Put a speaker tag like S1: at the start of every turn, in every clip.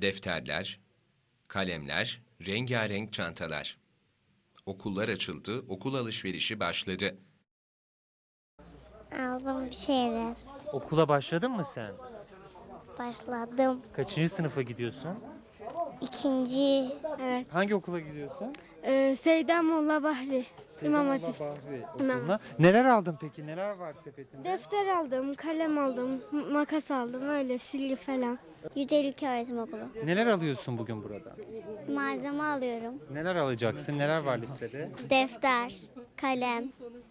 S1: Defterler, kalemler, rengarenk çantalar. Okullar açıldı, okul alışverişi başladı.
S2: Aldım bir şeyler.
S3: Okula başladın mı sen?
S2: Başladım.
S3: Kaçıncı sınıfa gidiyorsun?
S2: İkinci. Evet.
S3: Hangi okula gidiyorsun?
S2: Seyden Molla Bahri. İmam Hatip.
S3: Bahri
S2: İmam.
S3: Okulu'na. Neler aldın peki? Neler var sepetinde?
S2: Defter aldım, kalem aldım, makas aldım, öyle silgi falan. Yücelik Öğretim Okulu.
S3: Neler alıyorsun bugün burada?
S2: Malzeme alıyorum.
S3: Neler alacaksın? Neler var listede?
S2: Defter, kalem.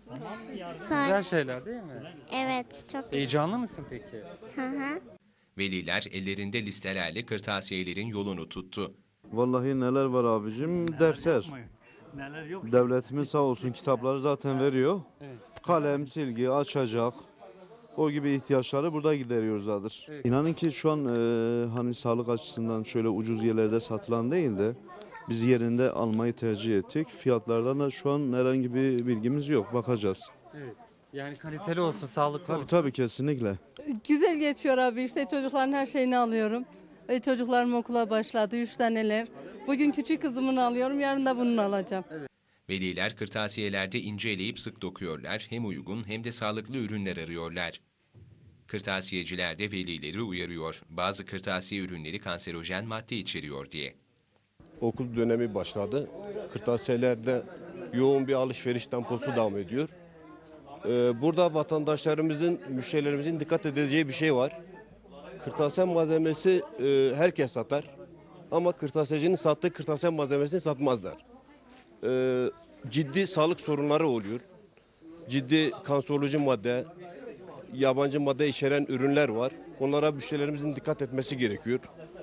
S3: Güzel şeyler değil mi?
S2: Evet, çok.
S3: Heyecanlı mısın peki?
S2: Hı hı.
S1: Veliler ellerinde listelerle kırtasiyelerin yolunu tuttu.
S4: Vallahi neler var abicim? Defter.
S5: Neler yok.
S4: Devletimiz sağ olsun kitapları zaten veriyor.
S3: Evet.
S4: Kalem, silgi, açacak. O gibi ihtiyaçları burada gideriyoruzlardır.
S3: Evet.
S4: İnanın ki şu an hani sağlık açısından şöyle ucuz yerlerde satılan değil de biz yerinde almayı tercih ettik. Fiyatlardan da şu an herhangi bir bilgimiz yok. Bakacağız.
S3: Evet. Yani kaliteli olsun, sağlıklı
S4: Tabii
S3: olsun.
S4: tabii kesinlikle.
S6: Güzel geçiyor abi, işte çocukların her şeyini alıyorum. Çocuklarım okula başladı, 3 taneler. Bugün küçük kızımın alıyorum, yarın da bunun alacağım.
S1: Veliler kırtasiyelerde ince eleyip sık dokuyorlar, hem uygun hem de sağlıklı ürünler arıyorlar. Kırtasiyeciler de velileri uyarıyor. Bazı kırtasiye ürünleri kanserojen madde içeriyor diye.
S7: Okul dönemi başladı. Kırtasiyelerde yoğun bir alışveriş temposu devam ediyor. Burada vatandaşlarımızın, müşterilerimizin dikkat edeceği bir şey var. Kırtasiye malzemesi herkes satar. Ama kırtasiyecinin sattığı kırtasiye malzemesini satmazlar. Ciddi sağlık sorunları oluyor. Ciddi kanseroloji madde, yabancı madde içeren ürünler var. Onlara müşterilerimizin dikkat etmesi gerekiyor.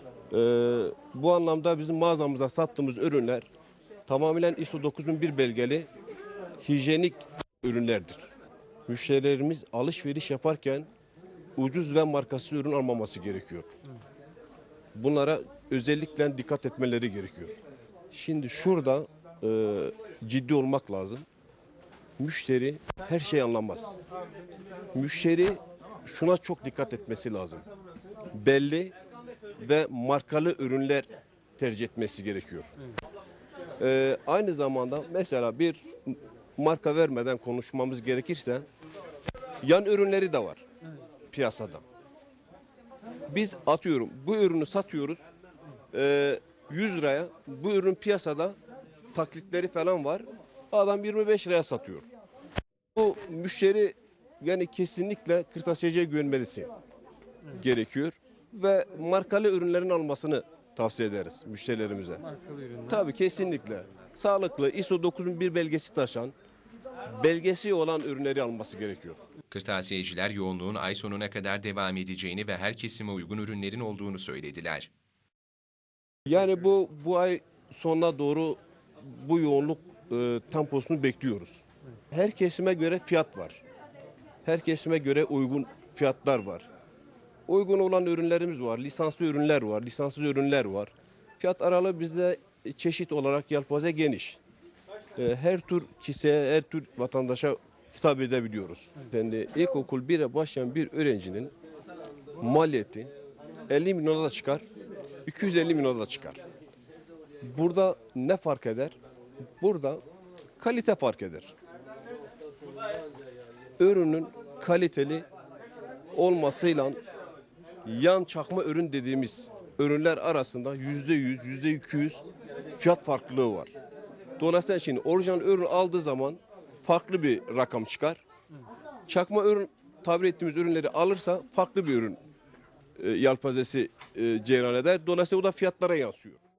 S7: Bu anlamda bizim mağazamızda sattığımız ürünler tamamen ISO 9001 belgeli hijyenik ürünlerdir. Müşterilerimiz alışveriş yaparken ucuz ve markasız ürün almaması gerekiyor. Bunlara özellikle dikkat etmeleri gerekiyor. Şimdi şurada ciddi olmak lazım. Müşteri her şeyi anlamaz. Müşteri şuna çok dikkat etmesi lazım. Belli ve markalı ürünler tercih etmesi gerekiyor. Aynı zamanda mesela bir marka vermeden konuşmamız gerekirse yan ürünleri de var piyasada. Biz atıyorum bu ürünü satıyoruz 100 liraya, bu ürün piyasada taklitleri falan var, adam 25 liraya satıyor. Bu müşteri yani kesinlikle kırtasiyeciye güvenmesi gerekiyor ve markalı ürünlerin almasını tavsiye ederiz müşterilerimize.
S3: Markalı ürünler.
S7: Tabii kesinlikle. Sağlıklı ISO 9001 belgesi taşan, belgesi olan ürünleri alması gerekiyor.
S1: Kırtasiyeciler yoğunluğun ay sonuna kadar devam edeceğini ve her kesime uygun ürünlerin olduğunu söylediler.
S7: Yani bu ay sonuna doğru bu yoğunluk temposunu bekliyoruz. Her kesime göre fiyat var. Her kesime göre uygun fiyatlar var. Uygun olan ürünlerimiz var, lisanslı ürünler var, lisanssız ürünler var. Fiyat aralığı bizde çeşit olarak yelpaze geniş. Her tür kişiye, her tür vatandaşa hitap edebiliyoruz. Yani ilkokul 1'e başlayan bir öğrencinin maliyeti 50 milyona da çıkar, 250 milyona da çıkar. Burada ne fark eder? Burada kalite fark eder. Ürünün kaliteli olmasıyla yan çakma ürün dediğimiz ürünler arasında %100, %200 fiyat farklılığı var. Dolayısıyla şimdi orijinal ürün aldığı zaman farklı bir rakam çıkar. Çakma ürün tabir ettiğimiz ürünleri alırsa farklı bir ürün yelpazesi cereyan eder. Dolayısıyla o da fiyatlara yansıyor.